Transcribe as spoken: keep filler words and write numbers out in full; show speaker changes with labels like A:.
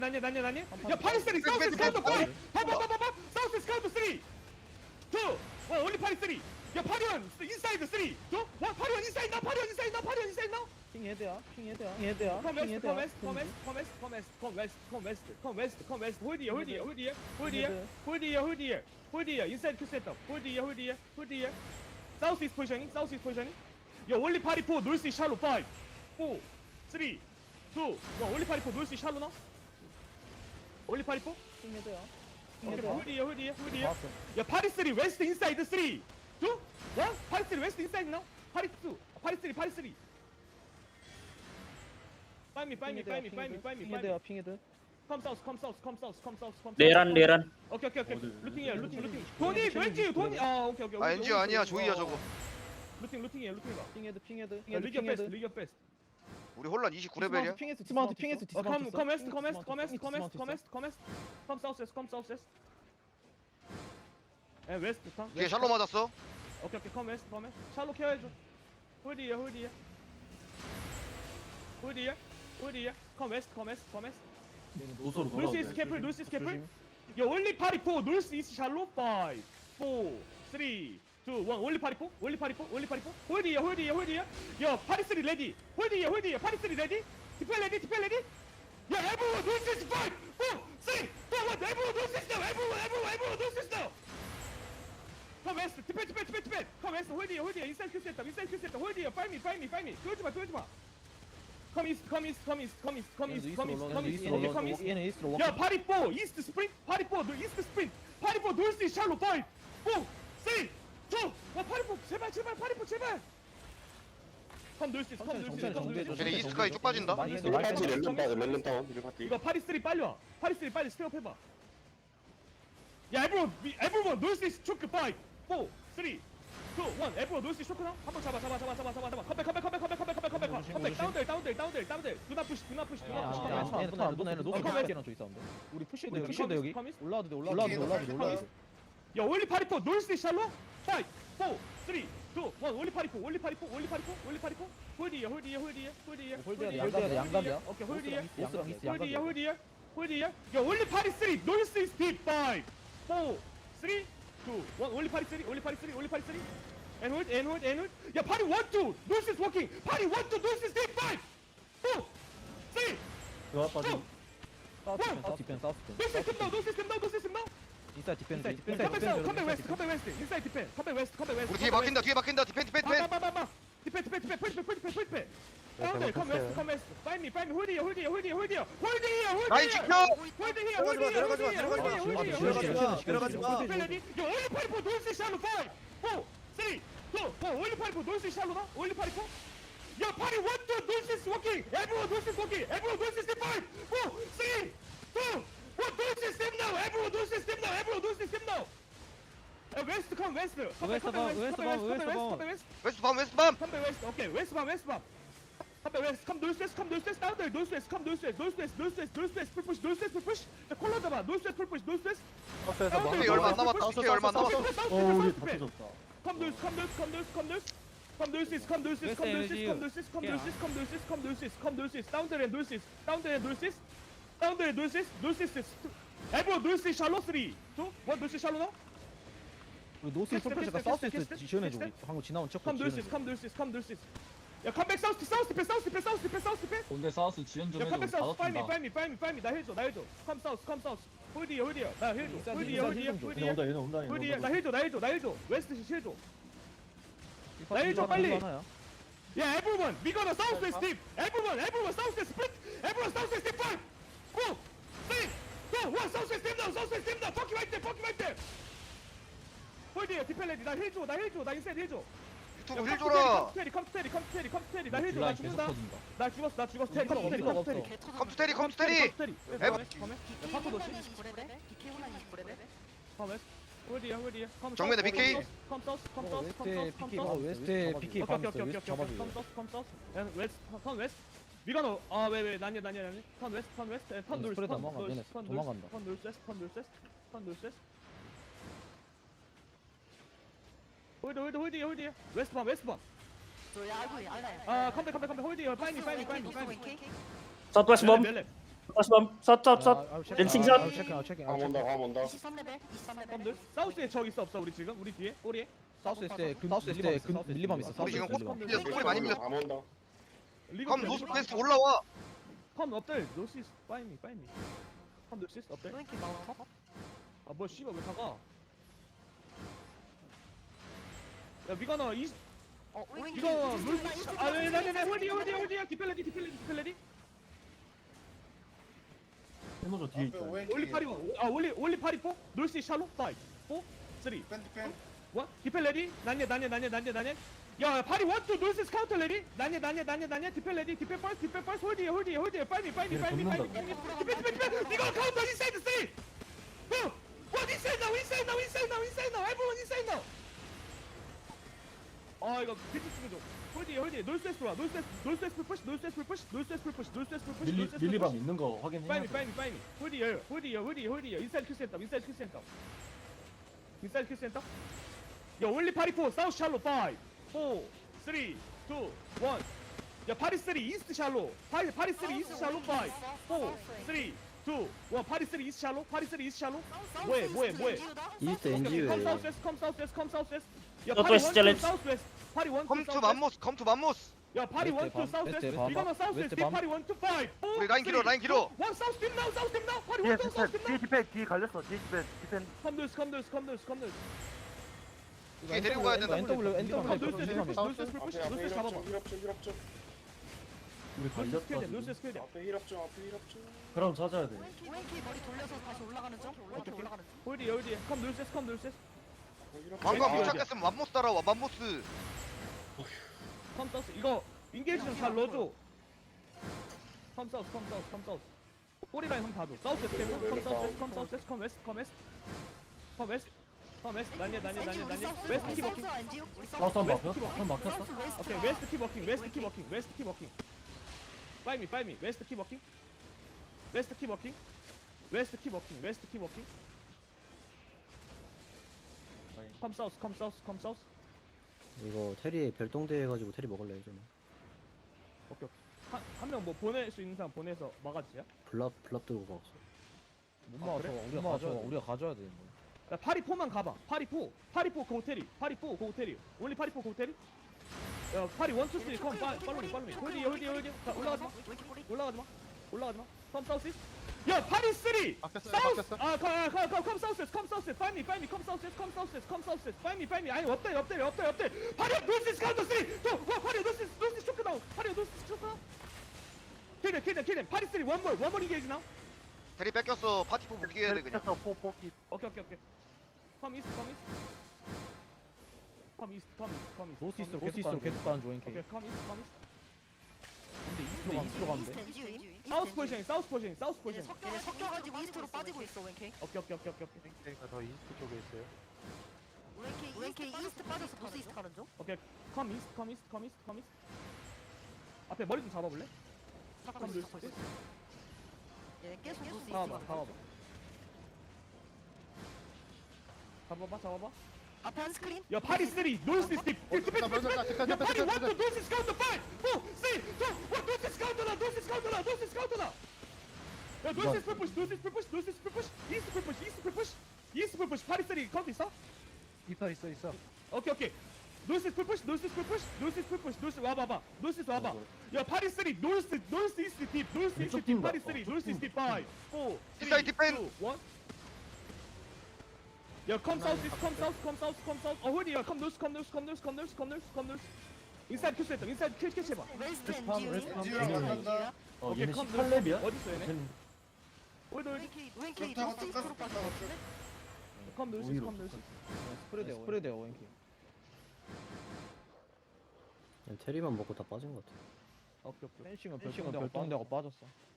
A: 난예 난예 난예 야 파리스리 사우스 스카우트 파리 봐봐봐봐 사우스 스카우트 쓰리 투 원 올리 파리 쓰리 야 파리원 인사이드 쓰리 투 원 파리원 인사이드 나 파리원 인사이드 나 파리원 인사이드 나
B: 핑 헤드야 핑 헤드야 핑 헤드야
A: Come
B: 핑
A: west,
B: 헤드야
A: come west, come west, come west, come west, come west, come west, come west, come west. Hold here, hold here, hold here, hold here, hold here, hold here, hold here. Inside Q setup. Hold here, hold here, hold here. South east positioning, south east positioning. Yo, only party four, north east shallow. Five, four, three, two, one. Only party four, north east shallow now. Only party four.
B: 핑 헤드야 핑
A: Okay,
B: 헤드야
A: hold here, hold here, hold here.
B: 봤어
A: 야, party three, west inside three, two, one. Party three, west inside now. Party two, party three, party three. Find me, find me, find me, find me, find me,
B: 핑
A: find me.
B: 헤드야 핑 헤드
A: Come south, come south, come south, come south, come south.
C: 내란 내란
A: 오케이 오케이 오케이. 루팅 here, 루팅 루팅. 돈이 왠지 돈이. 아 오케이 오케이.
D: 아 엔지오 아니야 조이야 저거.
A: 루팅 루팅이야 루팅이가.
B: 핑 헤드 핑 헤드 핑
A: 야,
B: 헤드
A: 리그
B: 핑
A: 베스트,
B: 헤드
A: 리그 베스트.
D: 우리 혼란 이십구 레벨이야.
B: 핑 헤드 디스마운트 핑 헤드
A: 어, come
B: 디스마운트
A: come west, come west, come west, come west, come west, come west. Come south west, come south west. 에 west come.
D: 뒤에 샬로 맞았어.
A: 오케이 오케이 come west, come west. 샬로 케어해줘. 홀디야 홀디야. 홀디야 홀디야. Come west, come west, come west.
E: 노소로
A: North east careful, north east careful. Yo, only party four, north east shallow. Five, four, three, two, one. Only party four, only party four, only party four. Hold here, hold here, hold here. Yo, party three ready. Hold here, hold here. Party three ready. Defend ready, defend ready. Yo, everyone, north east five, four, three, two, one. Everyone, north east now. Everyone, everyone, everyone, north east now. Come west, defend, defend, defend, defend. Come west, hold here, hold here. Inside Q setup, inside Q setup. Hold here, find me, find me, find me. 돌지 마, 돌지 마. Come east, come east, come east, come east, come east, come east, come east, come east, come east.
B: 얘는 이스트로
A: Yeah, party four, east sprint, party four, the east sprint, party four, north east shallow, five, four, three, two, one, party four, 제발, 제발, party four, 제발. Come north east, come north east, come north east.
D: 쟤네 이스트까지 쭉 빠진다.
B: 많이 해도
A: 일
B: 많이
A: 파티
B: 해도
A: 렐름
F: 렐름 렐름 다운 일 파티.
A: 이거 파리 쓰리 빨리 와. 파리 쓰리 빨리 스텝업 해봐. 야, everyone, we- everyone, north east choke, five, four, three, two, one. everyone, north east choke now. 한번 잡아, 잡아, 잡아, 잡아, 잡아, 잡아. 컴백, 컴백, 컴백, 컴백, 컴백, 컴백, 컴백, 컴백. 다운들, 다운들, 다운들, 다운들. Do not push, do not push, do not push.
B: 아, 얘네 턴안 보내 얘네 노스
A: 어,
B: 핑이랑 저기 싸운다 우리 푸시해도 여기 푸시해도 여기
A: 커미스?
B: 올라와도 돼 올라와도 돼 올라와도 돼 올라와도 돼
A: 야, 올리 파리 포, 놀스 샬로. five, four, three, two, one. 올리 파리 포, 올리 파리 포, 올리 파리 포, 올리 파리 포. 홀디야, 홀디야, 홀디야, 홀디야.
B: 홀드야 돼 양갑이야 돼 양갑이야
A: 오케이, 홀디야.
B: 보스랑 이스트
A: 홀디야,
B: 양갑이야
A: 홀디야, 홀디야. 야, 올리 파리 쓰리, 놀스 이스 딥. five, four, three, two, one. 올리 파리 쓰리, 올리 파리 쓰리, 올리 파리 쓰리. And hold, and hold, and hold. 야, 파리 one, two. 놀스 is walking. 파리 one, two. 놀스 is 딥. five, four, three, two.
B: 사우스 디펜 사우스 디펜 사우스 디펜
A: 놀스 system now, 놀스 system now, 놀스 system now.
B: 인사이드 디펜
A: 인사이드 디펜.
B: 인사이드
A: 컴백 사우스,
B: 디펜
A: 컴백 웨스트, 컴백 웨스트. 인사이드 디펜. 컴백 웨스트, 컴백 웨스트.
D: 우리 뒤에 막힌다 뒤에 막힌다 디펜 디펜 디펜.
A: 빠빠빠빠. 디펜 디펜 디펜 푸시 푸시 푸시 푸시. 다운들 컴 웨스트 컴 웨스트. 파인 미 파인 미 홀디 홀디 홀디 홀디 홀디 홀디.
D: 라인 지켜.
A: 홀디 히어 홀디 히어 홀디 히어 홀디 히어 홀디 히어.
E: 내려가지 마.
A: 디펜레디. 요 올리 파이프 놀스 샬로 파이브 포 쓰리 투 원. 올리 파이프 놀스 샬로나 올리 파이프. 야 파리 원 투 놀스 워킹. 에브리원 놀스 워킹. 에브리원 놀스 파이브 포 쓰리 투 원. 놀스 스텝 나우. 에브리원 놀스 스텝 나우. 에브리원 놀스 스텝 나우. 웨스트 컴 웨스트.
B: 웨스트 봐, 웨스트 봐, 웨스트 봐.
D: 웨스트 밤 웨스트 밤.
A: Come back west, okay, west bomb, west bomb. Come back west, come north west, come north west, down there, north west, come north west, north west, north west, north west, push, push, north west, push, push. The color 잡아, north west, push, push, north west.
D: 피케 얼마 안 남았다. 피케 얼마 안 남았어.
E: 어 우리 다 터졌다.
A: Come north, come north, come north, come north. Come north east, come north east, come north east, come north east, come north east, come north east, come north east, come north east, down there and north east, down there and north east, down there and north east, north east is. Everyone north east shallow three, two, one north east shallow now.
B: 우리 노스 솔플레스가 사우스 이스트 지원해줘 우리 방금 지나온 척
A: Come north east, come north east, come north east. 야, come back south, south defense, south defense, south defense, south defense.
E: 본대 사우스 지원 좀
A: 야,
E: 해줘.
A: 컴백
E: 다
A: 사우스, 파이미,
E: 덮친다.
A: 파이미, 파이미, 파이미, 나 해줘, 나 해줘. 컴 사우스, 컴 사우스. 홀디야, 홀디야, 나 해줘.
B: 인사이드,
A: 홀디야, 홀디야,
B: 인사이드
A: 홀디야.
E: 얘네 온다 얘네 온다 얘네
A: 홀디야, 나
E: 온다.
A: 해줘, 나 해줘, 나 해줘. 웨스트 시 해줘.
B: 나
A: 해줘, 빨리.
B: 하나야
A: 야, everyone, we gonna south west deep. Everyone, everyone, south west split. Everyone, south west deep. Five, four, three, two, one. South west deep now, south west deep now. Fuck you right there, fuck you right there. 홀디야, 디펠레디, 나 해줘, 나 해줘, 나 인사이드 해줘.
D: 유튜브 힐 줘라.
A: 컴스테리, 컴스테리, 컴스테리, 컴스테리, 나 해줘, 나
E: 블라인 계속
A: 죽는다.
E: 터진다.
A: 나 죽었어, 나 죽었어. 테리,
B: 없어,
A: 컴스테리,
B: 없어,
A: 컴스테리.
B: 없어.
D: 컴스테리 컴스테리.
A: 컴스테리.
D: 에브-
A: 바꿔 놓지. 컴 홀디야, 홀디야. 컴
D: 정면에
A: 사우스,
D: 비케이.
A: 컴 사우스, 컴 사우스, 컴
B: 웨스트에
A: 사우스, 컴
B: 피키
A: 사우스.
B: 웨스트에 피키
A: 오케이
B: 밤
A: 오케이
B: 있어
A: 오케이
B: 웨스트
A: 오케이
B: 잡아줘
A: 컴 사우스 컴 사우스 야 웨스트 턴 웨스트 위가노 아왜왜 난야 난야 난야 턴 웨스트 턴 웨스트 턴 놀스
B: 스프레드
A: 턴
B: 도망가,
A: 놀스
B: 얘네
A: 턴
B: 도망간다.
A: 놀스 턴 놀스 웨스트 턴 놀스 웨스트 턴 놀스 웨스트 홀드 홀드 홀디야 홀디야 웨스트 밤 웨스트 밤아 컴백 컴백 컴백 홀디야 파이미 파이미 파이미 파이미
C: 사우스웨스트 범
A: 멜렙
C: 사십삼 샷샷샷
B: 아, 체크,
C: 렌칭샷.
B: 아, 체크, 아, 체크, 아,
F: 감
B: 체크.
F: 온다 감 온다.
G: 이십삼 레벨 이십삼 레벨
A: 컴들 사우스에 적 있어 없어 우리 지금 우리 뒤에 꼬리에
B: 사우스 에스트에 근 사우스 에스트에 근 밀리밤 있어. 사우스
D: 우리 지금
B: 에스트
D: 꽃
B: 밀리밤.
D: 밀렸어. 꼬리 많이 밀렸어.
F: 감 온다.
A: 리버
D: 컴 노스 웨스트 올라와.
A: 컴 업들 노시스 파이미 파이미 컴 노시스 업들
G: 왼키 많아
A: 아뭐 씨발 왜 다가 야 미가나 이
G: 어 왼키
A: 이거 노시스 아네네네 홀디 홀디 홀디야 디펠레디 디펠레디 디펠레디
E: 해노저 뒤에 있다.
A: 올리 파리고 아 올리 올리 파리포 놀시 샬로 파이 포 쓰리
F: 디펜 디펜.
A: 원 디펠레디 난예 난예 난예 난예 난예 야 파리 원투 놀시 카운터 레디 난예 난예 난예 난예 디펠레디 디펠 펄스 디펠 펄스 홀디 홀디 홀디 빨리 빨리
E: 얘네
A: 빨리 빨리
E: 돕는다.
A: 디펠 디펠 디펠 이거 카운터 인사이드 쓰리 투 원 인사이드 나우 인사이드 나우 인사이드 나우 인사이드 나우 에브리원 인사이드 나우 아 이거 비트 죽여줘 홀디 홀디 놀스 웨스트 와 놀스 웨스트 놀스 웨스트 푸시 놀스 웨스트 푸시 놀스 웨스트 푸시 놀스 웨스트 푸시
E: 밀리 밀리밤 있는 거 확인해.
A: 빨리 빨리 빨리 홀디어 홀디어 홀디 홀디어 인사이드 큐 센터 인사이드 큐 센터 인사이드 큐 센터 야 올리 파리포 사우스 샬로 파이브 사 삼 이 일 야 파리 쓰리 이스트 샬로 파리 파리 쓰리 이스트 샬로 파이브 사 삼 이 일 파리 쓰리 이스트 샬로 파리 쓰리 이스트 샬로 뭐해 뭐해 뭐해
B: 이스트
A: 컴
B: 엔지유에
A: 사우스 웨스트 컴 사우스 웨스트 컴 사우스 웨스트 야
C: 너
A: 파리
C: 또
A: 원
C: 챌린지.
A: 사우스 웨스트 파리 원
D: 컴 투 맘모스 컴 투 맘모스.
A: 야 파리
B: 웨스트
A: 원투
B: 밤,
A: 사우스
B: 웨스트
A: 웨스트
B: 밤,
A: 이거는 사우스
B: 웨스트
A: 웨스트
B: 밤.
A: 파리 원투 파이브
D: 우리 라인 길어 라인 길어.
A: 원 사우스 팀 나우 사우스 팀 나우 파리
H: 뒤에
A: 원투 사우스 팀
H: 디펜 뒤에
A: 나우
H: 디펜 뒤에 갈렸어 뒤에 디펜 디펜
A: 컴들스 컴들스 컴들스 컴들스
D: 뒤에 데리고 가야 된다.
B: 엔더블 엔더블
A: 놀스 웨스트
B: 밀리밤 있어.
A: 놀스 웨스트 푸시
F: 앞에 앞에
A: 놀스 웨스트 잡아봐
F: 힐업 좀 힐업 좀 힐업 좀.
E: 우리
A: 놀스
E: 걸렸다.
A: 스킬대 놀스
E: 지금.
A: 스킬대
F: 앞에 힐업 좀 앞에 힐업 좀.
E: 그럼 찾아야 돼.
G: 왼키 왼키 머리 돌려서 다시 올라가는 중 왼키 올라가는 중
A: 홀디 홀디 컴 놀스 웨스트 컴 놀스 웨스트
D: 방금 못
A: 왼쪽이야.
D: 찾겠으면 맘모스 따라와 맘모스.
A: 컴 사우스 이거 인게이지 좀 잘 넣어줘 컴 사우스 컴 사우스 컴 사우스 꼬리 라인 한번 봐줘 사우스 웨스트 컴 사우스 웨스트 컴 사우스 웨스트 컴 웨스트 컴 웨스트 컴 웨스트 컴 웨스트 난예 난예 난예 난예 웨스트 키 워킹
E: 사우스 한 막혔? 한 막혔어?
A: 오케이 웨스트 키 워킹 웨스트 키 워킹 웨스트 키 워킹 파이미 파이미 웨스트 키 워킹 웨스트 키 워킹 웨스트 키 워킹 웨스트 키 워킹 컴 사우스 컴 사우스 컴 사우스
B: 이거 테리 별동대 해가지고 테리 먹을래 좀.
A: 오케이 오케이 한명 뭐 보낼 수 있는 사람 보내서 막아주세요
B: 블랍 블랍 들고 가.
A: 아,
B: 못 막아.
A: 그래?
B: 우리가 가져. 우리가 가져야 돼.
A: 야 파리포만 가봐 파리포 파리포 고테리 파리포 고테리 올리 파리포 고테리 야 파리 원투 쓰리 컴 팔로미 팔로미 홀디 홀디 홀디 자 올라가지마
G: 왼키 꼬리
A: 올라가지마 올라가지마 컴 사우스 야 파리 쓰리 사우스 아컴컴컴 사우스 컴 사우스 파이미 파이미 컴 사우스 컴 사우스 컴 사우스 파이미 파이미 아니 없대 없대 없대 없대 파리 노스 카운터 쓰리 투 파리 노스 노스 쇼크 다운 파리 노스 쇼크 다운 킬them 킬them 킬them 파리 쓰리 원몰 원몰 인게이지 나우
D: 대리 뺏겼어. 파티포 복귀해야 돼 그냥.
H: 쳤어 포포기
A: 오케이 오케이 오케이 컴 이스트 컴 이스트 컴 이스트 컴 이스트 컴 이스트
B: 노스 이스트로
A: 컴
B: 계속 가는 계속 가는 조 엔케.
A: 오케이 컴 이스트 컴 이스트 근데
B: 이스트로 가면 이스트로 가면 돼.
G: 이스트 엔지유
A: 사우스 포지션 사우스 포지션 사우스
G: 얘네
A: 포지션
G: 섞여 섞여가지고 이스트로 빠지고 있어 왼키
A: 오케이 오케이 오케이 오케이 오케이
H: 그러니까 더 이스트 쪽에 있어요
G: 왼키 왼키 이스트 빠져서 노스 이스트 가는 중
A: 오케이 컴 이스트 컴 이스트 컴 이스트 컴 이스트 앞에 머리 좀 잡아볼래?
G: 잡고 있어 잡고 있어 얘네 계속 노스 이스트
A: 잡아봐
G: 가는 중
A: 잡아봐 잡아봐 잡아봐
G: 앞에 한 스크린
A: 야 파리 쓰리 노스 스틱 야 파리 원투 노스 스카우터 파이브 사 쓰리 투 원 노스 스카우터다 노스 스카우터다 노스 스카우터다 야 노스 풀푸시 노스 풀푸시 노스 풀푸시 이스트 풀푸시 이스트 풀푸시 이스트 풀푸시 파리 쓰리 카운트 있어?
H: 있어 있어 있어
A: 오케이 오케이 노스 풀푸시 노스 풀푸시 노스 풀푸시 노스 와봐봐 노스 와봐 야 파리 쓰리 노스 노스 이스트 딥 노스 이스트 딥 파리 쓰리 노스 이스트 딥 파이브 사
D: 인사이드 디펜.
A: 일 야컴 사우스 컴 사우스 컴 사우스 컴 사우스 어 홀디 야컴 노스 컴 노스 컴 노스 컴 노스 컴 노스 컴 노스 인사이드 큐스 했다 인사이드 킬 캐치 해봐
G: 웨스트
E: 웨스트 팜,
G: 엔지유
E: 웨스트 팜.
G: 웨스트 엔지유야
E: 어
A: 오케이,
E: 얘네
A: 컴
E: 십팔 렙이야?
A: 어딨어 얘네 홀디 홀디
G: 왼키 왼키 노스 이스트로 빠진 것 같은데
A: 컴 노스
E: 오히려
A: 컴 노스
B: 스프레드 스프레드 엔케. 테리만 먹고 다 빠진 것 같아.
A: 오케이 오케이
B: 펜싱은 별동대가 빠졌어.